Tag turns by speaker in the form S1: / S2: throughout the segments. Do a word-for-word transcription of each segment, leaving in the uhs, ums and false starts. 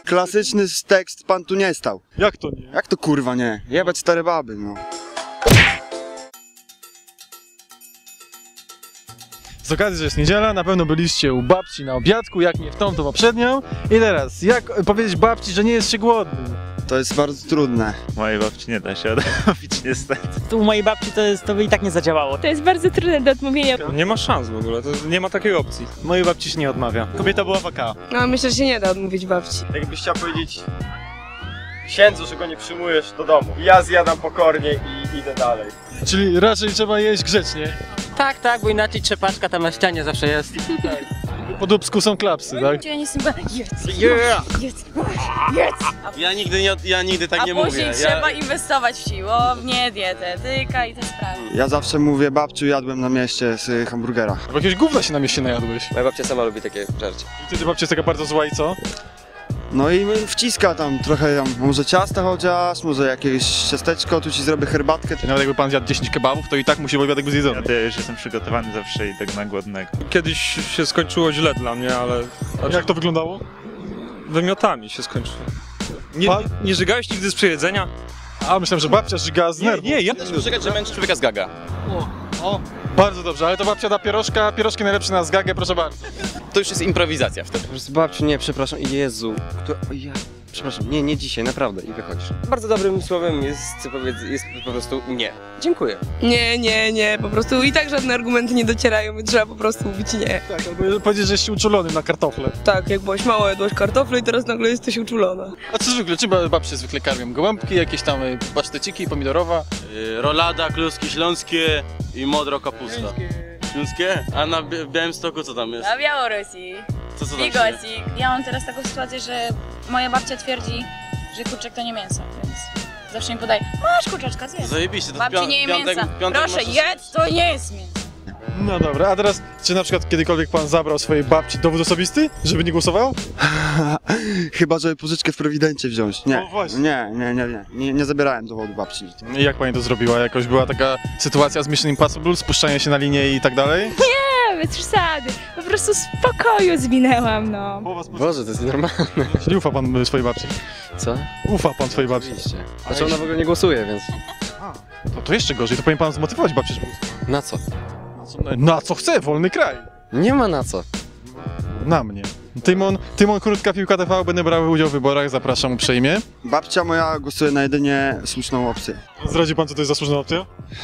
S1: Klasyczny tekst, pan tu nie stał.
S2: Jak to nie?
S1: Jak to kurwa nie? Jebać stare baby, no.
S2: Z okazji, że jest niedziela, na pewno byliście u babci na obiadku, jak nie w tą, to poprzednią. I teraz, jak powiedzieć babci, że nie jest się głodny?
S1: To jest bardzo trudne.
S3: Mojej babci nie da się odmówić niestety.
S4: Tu u mojej babci to, jest, to by i tak nie zadziałało.
S5: To jest bardzo trudne do odmówienia.
S6: Nie ma szans w ogóle, to nie ma takiej opcji.
S2: Mojej babci się nie odmawia. Kobieta była waka.
S7: No myślę, że się nie da odmówić babci.
S8: Jakbyś chciał powiedzieć księdzu, że go nie przyjmujesz do domu. Ja zjadam pokornie i idę dalej.
S2: Czyli raczej trzeba jeść grzecznie.
S4: Tak, tak, bo inaczej trzepaczka tam na ścianie zawsze jest.
S2: Po dubsku są klapsy, tak?
S5: Ja nie jestem jedz,
S9: Yeah.
S5: jedz, jedz.
S9: Ja nigdy, nie, ja nigdy tak
S5: A
S9: nie
S5: później
S9: mówię.
S5: trzeba
S9: Ja...
S5: inwestować w siłownię, dietetyka i te sprawy.
S1: Ja zawsze mówię, babciu, jadłem na mieście z hamburgera.
S2: Bo jakiegoś gówna się na mieście najadłeś.
S9: Moja babcia sama lubi takie żarcie.
S2: I wtedy babcia jest taka bardzo zła i co?
S1: No i wciska tam trochę, tam, może ciasta chociaż, może jakieś ciasteczko, tu ci zrobię herbatkę.
S2: Nawet jakby pan zjadł dziesięć kebabów, to i tak musi obiadek być zjedzony.
S3: Ja to już jestem przygotowany zawsze i tak na głodnego.
S6: Kiedyś się skończyło źle dla mnie, ale...
S2: Jak to wyglądało?
S6: Wymiotami się skończyło. Nie,
S2: Pan-
S6: nie, nie żygałeś nigdy z przyjedzenia?
S2: A, myślałem, że babcia żygała z
S6: Nie,
S2: nerwów.
S6: nie, ja...
S9: Czekać, że męczy człowieka z gaga.
S2: O, bardzo dobrze, ale to babcia da pierożka, pierożki najlepsze na zgagę, proszę bardzo.
S9: To już jest improwizacja wtedy.
S10: Po prostu babciu, nie, przepraszam, Jezu. Kto, o ja, przepraszam, nie, nie dzisiaj, naprawdę, i wychodzisz.
S9: Bardzo dobrym słowem jest, powiedz, jest po prostu nie. Dziękuję.
S7: Nie, nie, nie, po prostu i tak żadne argumenty nie docierają, więc trzeba po prostu mówić nie.
S2: Tak, albo powiedzieć, że jesteś uczulony na kartofle.
S7: Tak, jak byłaś mała, jadłaś kartofle i teraz nagle jesteś uczulona.
S2: A co zwykle, czym babcie zwykle karmią? Gołąbki, jakieś tam y, paszteciki, pomidorowa?
S10: Yy, rolada, kluski śląskie i modro kapusta. Śląskie? A na Bi Białymstoku co tam jest?
S5: Na Białorusi.
S10: Co, co tam się
S5: Bigosik. Ja mam teraz taką sytuację, że moja babcia twierdzi, że kurczak to nie mięso, więc zawsze mi podaje, masz kurczaczka, zjedz.
S10: Zajebiście, to
S5: Babci nie je
S10: piątek,
S5: mięsa.
S10: piątek
S5: Proszę,
S10: masz...
S5: jedz, to nie jest mięso.
S2: No dobra, a teraz, czy na przykład kiedykolwiek pan zabrał swojej babci dowód osobisty, żeby nie głosował?
S1: Chyba, żeby pożyczkę w Prewidencie wziąć. Nie,
S2: O, właśnie.
S1: nie, nie, nie, nie, nie, nie zabierałem dowodu babci.
S2: I jak pani to zrobiła? Jakoś była taka sytuacja z Mission Impossible, spuszczanie się na linię i tak dalej?
S5: Nie, bez przesady. Po prostu z pokoju zwinęłam, no.
S10: Boże, to jest normalne.
S2: Czyli ufa pan y, swojej babci?
S10: Co?
S2: Ufa pan swojej babci?
S10: Oczywiście. Znaczy ona w ogóle nie głosuje, więc...
S2: To, to jeszcze gorzej, to powinien pan zmotywować babcię, żeby głosowała.
S10: Na co?
S2: Na co, na co chce, wolny kraj.
S10: Nie ma na co.
S2: Na mnie. Tymon, Tymon Krótka Piłka T V, będę brał udział w wyborach, zapraszam uprzejmie.
S1: Babcia moja głosuje na jedynie słuszną opcję.
S2: Zdradzi pan, co to jest za słuszna opcja?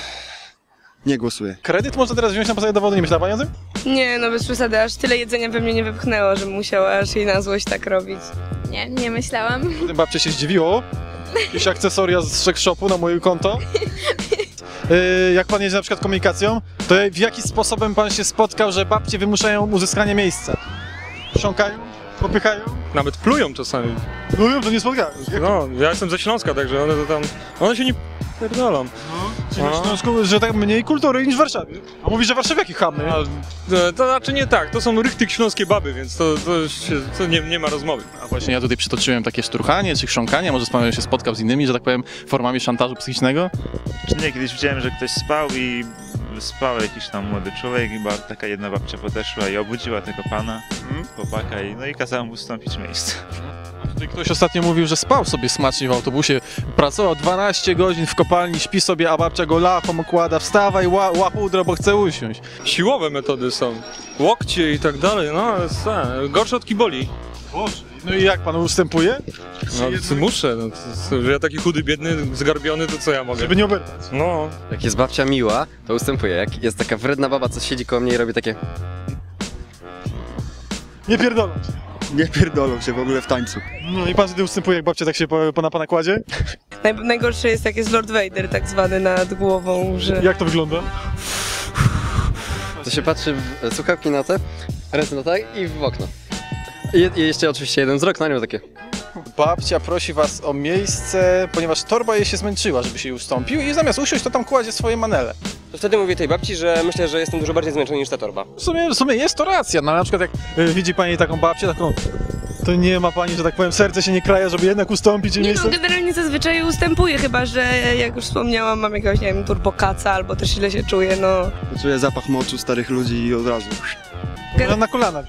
S1: Nie głosuje.
S2: Kredyt można teraz wziąć na podstawie dowodu, nie myślała pani o tym?
S7: Nie, no bez przesady, aż tyle jedzenia we mnie nie wypchnęło, że musiała aż jej na złość tak robić.
S5: Nie, nie myślałam.
S2: Potem babcia się zdziwiło. Jakieś akcesoria z sex shopu na moje konto. Yy, jak pan jedzie na przykład komunikacją, to w jaki sposobem pan się spotkał, że babcie wymuszają uzyskanie miejsca? Chrząkają? Popychają?
S6: Nawet plują czasami.
S2: Mówią, to nie spotkałem.
S6: No, ja jestem ze Śląska, także one to tam... One się nie pierdolą.
S2: Czyli na Śląsku, że tak mniej kultury niż w Warszawie. A mówi, że warszawiaki chamy.
S6: A, to, to znaczy nie tak, to są rychtyk śląskie baby, więc to, to, się, to nie, nie ma rozmowy.
S2: A właśnie ja tutaj przytoczyłem takie szturchanie czy chrząkanie, może pan się spotkał z innymi, że tak powiem, formami szantażu psychicznego?
S3: Czy nie, kiedyś widziałem, że ktoś spał i spał jakiś tam młody człowiek i ba, taka jedna babcia podeszła i obudziła tego pana,
S2: Mhm.
S3: chłopaka i no i kazała mu ustąpić miejsce.
S2: Tutaj ktoś ostatnio mówił, że spał sobie smacznie w autobusie, pracował dwanaście godzin w kopalni, śpi sobie, a babcia go lachą okłada, wstawaj, ła, łachudro, bo chce usiąść.
S6: Siłowe metody są. Łokcie i tak dalej, no ale co, gorsze od kiboli.
S2: Boże. No i jak pan ustępuje?
S6: No to muszę, no, to, to, że ja taki chudy, biedny, zgarbiony, to co ja mogę?
S2: Żeby nie oberwać.
S6: No.
S10: Jak jest babcia miła, to ustępuje. Jak jest taka wredna baba, co siedzi koło mnie i robi takie...
S2: Nie pierdolą.
S1: Nie pierdolą się w ogóle w tańcu.
S2: No i pan wtedy ustępuje, jak babcia tak się po, po na pana kładzie?
S7: Naj, najgorsze jest jak jest Lord Vader tak zwany nad głową, że...
S2: Jak to wygląda?
S10: To się patrzy w słuchawki na te, ręce na tak i w okno. I, i jeszcze oczywiście jeden wzrok na nią takie...
S2: Babcia prosi was o miejsce, ponieważ torba jej się zmęczyła, żeby się jej ustąpił i zamiast usiąść, to tam kładzie swoje manele.
S9: To wtedy mówię tej babci, że myślę, że jestem dużo bardziej zmęczony niż ta torba.
S2: W sumie, w sumie jest to racja, no ale na przykład jak y, widzi pani taką babcię, taką... To nie ma pani, że tak powiem, serce się nie kraja, żeby jednak ustąpić jej
S7: Nie
S2: miejsce?
S7: no, generalnie zazwyczaj ustępuję, chyba że jak już wspomniałam, mam jakiegoś, nie wiem, turbokaca albo też źle się czuję, no.
S1: Czuję zapach moczu starych ludzi i od razu.
S2: Można na kolana wziąć.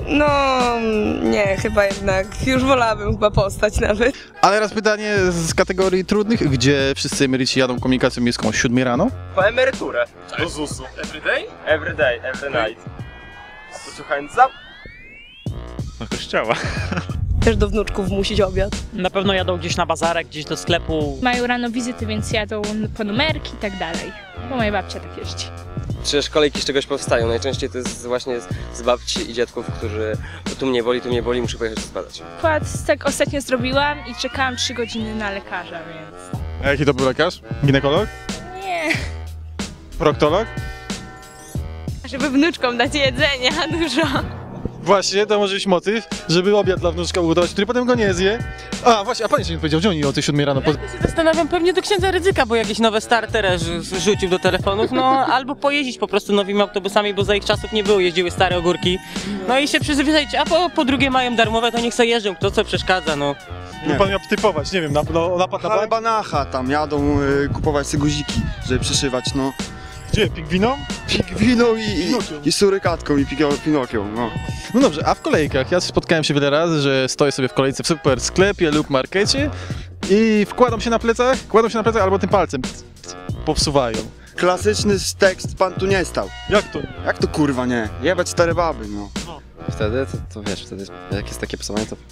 S7: No nie, chyba jednak. Już wolałabym chyba postać nawet.
S2: Ale teraz pytanie z kategorii trudnych. Gdzie wszyscy emeryci jadą komunikacją miejską o siódmej rano?
S8: Po emeryturę. Do zusu. Everyday? Everyday, every night. Put your hands up.
S3: Do kościoła.
S7: Też do wnuczków musić obiad.
S4: Na pewno jadą gdzieś na bazarek, gdzieś do sklepu.
S5: Mają rano wizyty, więc jadą po numerki i tak dalej. Bo moja babcia tak jeździ.
S9: Przecież kolejki z czegoś powstają. Najczęściej to jest właśnie z, z babci i dziadków, którzy tu mnie boli, tu mnie boli, muszę pojechać zbadać.
S5: Przykład tak ostatnio zrobiłam i czekałam trzy godziny na lekarza, więc...
S2: A jaki to był lekarz? Ginekolog?
S5: Nie.
S2: Proktolog?
S5: Żeby wnuczkom dać jedzenia dużo.
S2: Właśnie, to może być motyw, żeby obiad dla wnuczka ugotować, który potem go nie zje. A właśnie, a pan jeszcze nie powiedział, gdzie oni o tej siódmej rano? Po...
S4: Ja się zastanawiam, pewnie do księdza Rydzyka, bo jakieś nowe startery rzucił do telefonów, no albo pojeździć po prostu nowymi autobusami, bo za ich czasów nie było, jeździły stare ogórki. No i się przyzwyczaić, a po, po drugie mają darmowe, to niech sobie jeżdżą, kto co przeszkadza, no.
S2: Nie. Pan miał typować, nie wiem, na, no, napad na bank?
S1: Halbanacha tam jadą y, kupować sobie guziki, żeby przyszywać, no.
S2: Gdzie? Pingwiną?
S1: Pingwiną i, i, i surykatką i Pinokio- Pinokią, no.
S2: No dobrze, a w kolejkach? Ja spotkałem się wiele razy, że stoję sobie w kolejce w super sklepie lub markecie i wkładam się na plecach, kładą się na plecach albo tym palcem popsuwają.
S1: Klasyczny tekst, pan tu nie stał.
S2: Jak to?
S1: Jak to kurwa nie? Jebać stare baby, no.
S9: Wtedy, to, to wiesz, wtedy jak jest takie psowanie, to...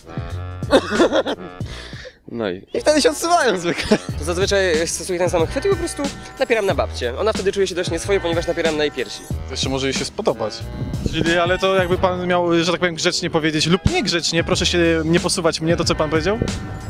S9: No i... I wtedy się odsuwają zwykle. To zazwyczaj stosuję ten sam chwyt i po prostu napieram na babcię. Ona wtedy czuje się dość nieswojo, ponieważ napieram na jej piersi.
S2: To jeszcze może jej się spodobać. Czyli, ale to jakby pan miał, że tak powiem, grzecznie powiedzieć lub niegrzecznie, proszę się nie posuwać mnie, to co pan powiedział?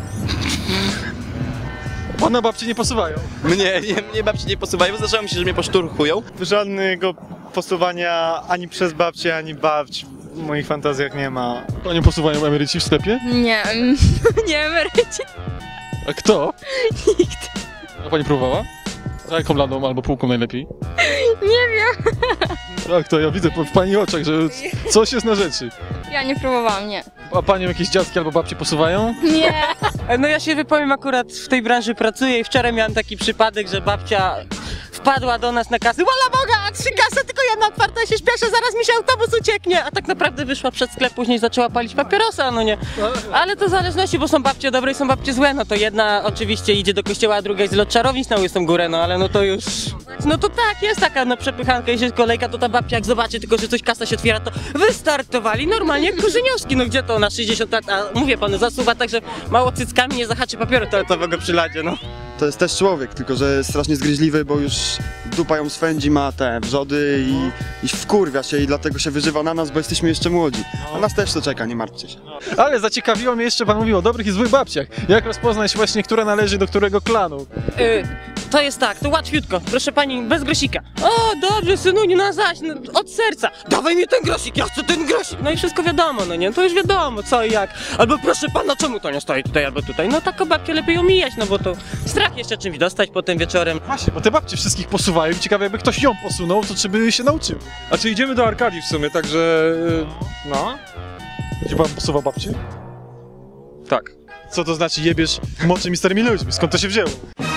S2: Pana babci nie posuwają.
S11: Mnie, nie, mnie babci nie posuwają, zdarzało mi się, że mnie poszturchują.
S12: Żadnego posuwania ani przez babcię, ani babć w moich fantazjach nie ma.
S2: Panią posuwają emeryci w sklepie?
S5: Nie, nie emeryci.
S2: A kto?
S5: Nikt.
S2: A pani próbowała? A jaką ladą albo półką najlepiej?
S5: Nie wiem.
S2: Tak, to ja widzę w pani oczach, że coś jest na rzeczy.
S5: Ja nie próbowałam, nie.
S2: A panią jakieś dziadki albo babcie posuwają?
S5: Nie.
S4: No ja się wypowiem, akurat w tej branży pracuję i wczoraj miałem taki przypadek, że babcia wpadła do nas na kasę. Wola Boga, trzy kasy, tylko jedna otwarta, się śpieszę, zaraz mi się autobus ucieknie. A tak naprawdę wyszła przed sklep, później zaczęła palić papierosa, no nie. Ale to w zależności, bo są babcie dobre i są babcie złe. No to jedna oczywiście idzie do kościoła, a druga jest z lot czarownic na łysą górę, no ale no to już... No to tak, jest taka no przepychanka, jeśli jest kolejka, to ta babcia jak zobaczy tylko, że coś kasa się otwiera, to wystartowali normalnie jak kurzyniowski. No gdzie to na sześćdziesiąt lat, a mówię panu, zasuwa tak, że mało cyckami nie zahaczy papieru toaletowego przy ladzie, no.
S1: To jest też człowiek, tylko że strasznie zgryźliwy, bo już dupa ją swędzi, ma te wrzody i, i wkurwia się i dlatego się wyżywa na nas, bo jesteśmy jeszcze młodzi. A nas też to czeka, nie martwcie się.
S2: Ale zaciekawiło mnie jeszcze, pan mówił o dobrych i złych babciach. Jak rozpoznać właśnie, która należy do którego klanu?
S4: Y, to jest tak, to łatwiutko, proszę pani, bez grosika. O, dobrze, synuniu, no zaś, no, od serca. Dawaj mi ten grosik, ja chcę ten grosik. No i wszystko wiadomo, no nie, to już wiadomo, co i jak. Albo proszę pana, czemu to nie stoi tutaj albo tutaj? No taką babkę lepiej omijać, no bo to strach jeszcze czymś dostać potem wieczorem.
S2: Właśnie, bo te babcie wszystkich posuwają. Ciekawe, jakby ktoś ją posunął, to czy by się nauczył.
S6: A czy idziemy do Arkadii w sumie, także... no.
S2: Gdzie pan posuwa babcię?
S6: Tak.
S2: Co to znaczy jebiesz młodszymi starymi ludźmi? Skąd to się wzięło?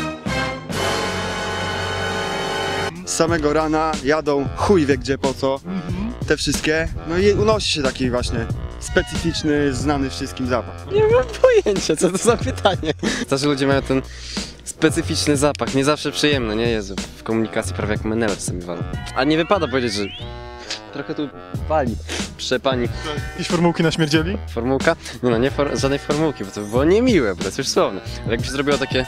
S1: Z samego rana jadą chuj wie gdzie po co, te wszystkie, no i unosi się taki właśnie specyficzny, znany wszystkim zapach.
S9: Nie mam pojęcia, co to za pytanie. Starzy ludzie mają ten specyficzny zapach, nie zawsze przyjemny, nie? Jezu, w komunikacji prawie jak menele czasami walą. A nie wypada powiedzieć, że trochę tu wali, przepani.
S2: Jakieś formułki naśmierdzieli?
S9: Formułka? Nie no, nie for żadnej formułki, bo to by było niemiłe, bo to jest już słowne. Ale jakby się zrobiło takie...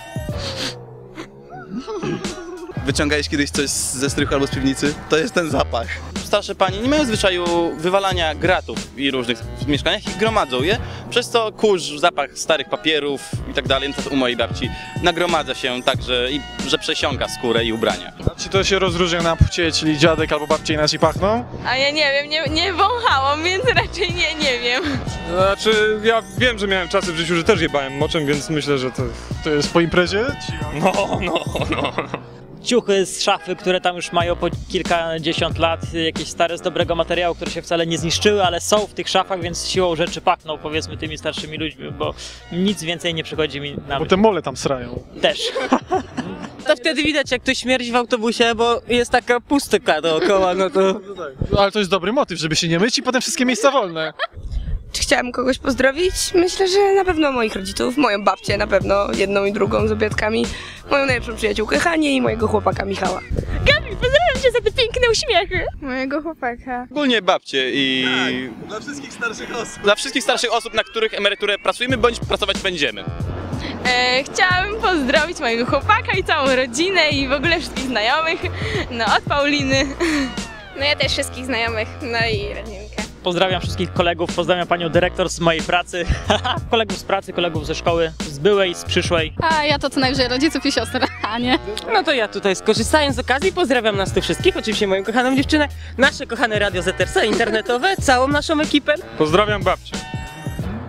S11: Wyciągałeś kiedyś coś ze strychu albo z piwnicy? To jest ten zapach. Starsze panie nie mają zwyczaju wywalania gratów i różnych w mieszkaniach i gromadzą je, przez co kurz, zapach starych papierów i tak dalej, no to u mojej babci nagromadza się tak, że, i, że przesiąka skórę i ubrania.
S2: A czy to się rozróżnia na płcie, czyli dziadek albo babcia inaczej pachną?
S7: A ja nie wiem, nie, nie wąchałam, więc raczej nie, nie wiem.
S6: Znaczy, ja wiem, że miałem czasy w życiu, że też jebałem moczem, więc myślę, że to...
S2: To jest po imprezie?
S6: No, no, no.
S4: Ciuchy z szafy, które tam już mają po kilkadziesiąt lat, jakieś stare z dobrego materiału, które się wcale nie zniszczyły, ale są w tych szafach, więc siłą rzeczy pachną, powiedzmy, tymi starszymi ludźmi, bo nic więcej nie przychodzi mi na
S2: Bo
S4: myśl.
S2: te mole tam srają.
S4: Też. to wtedy widać, jak ktoś śmierdzi w autobusie, bo jest taka pustyka dookoła, no to...
S2: No, ale to jest dobry motyw, żeby się nie myć i potem wszystkie miejsca wolne.
S7: Czy chciałam kogoś pozdrowić? Myślę, że na pewno moich rodziców, moją babcię na pewno, jedną i drugą z obiadkami, moją najlepszą przyjaciółkę Hanię i mojego chłopaka Michała.
S5: Gabi, pozdrawiam cię za te piękne uśmiechy.
S13: Mojego chłopaka.
S11: Ogólnie babcie i...
S8: Tak, dla wszystkich starszych osób.
S11: Dla wszystkich starszych osób, na których emeryturę pracujemy, bądź pracować będziemy.
S13: E, chciałam pozdrowić mojego chłopaka i całą rodzinę i w ogóle wszystkich znajomych, no od Pauliny. No ja też wszystkich znajomych, no i rodzinkę.
S14: Pozdrawiam wszystkich kolegów, pozdrawiam panią dyrektor z mojej pracy, kolegów z pracy, kolegów ze szkoły, z byłej, z przyszłej.
S13: A ja to co najwyżej rodziców i siostry, a nie?
S4: No to ja tutaj skorzystając z okazji pozdrawiam nas tu wszystkich, oczywiście moją kochaną dziewczynę, nasze kochane Radio Z R C internetowe, całą naszą ekipę.
S6: Pozdrawiam babcię.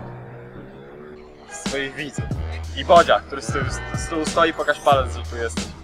S8: Swoich widzów. I Bodzia, który z tyłu, z tyłu stoi, pokaż palec, że tu jesteś.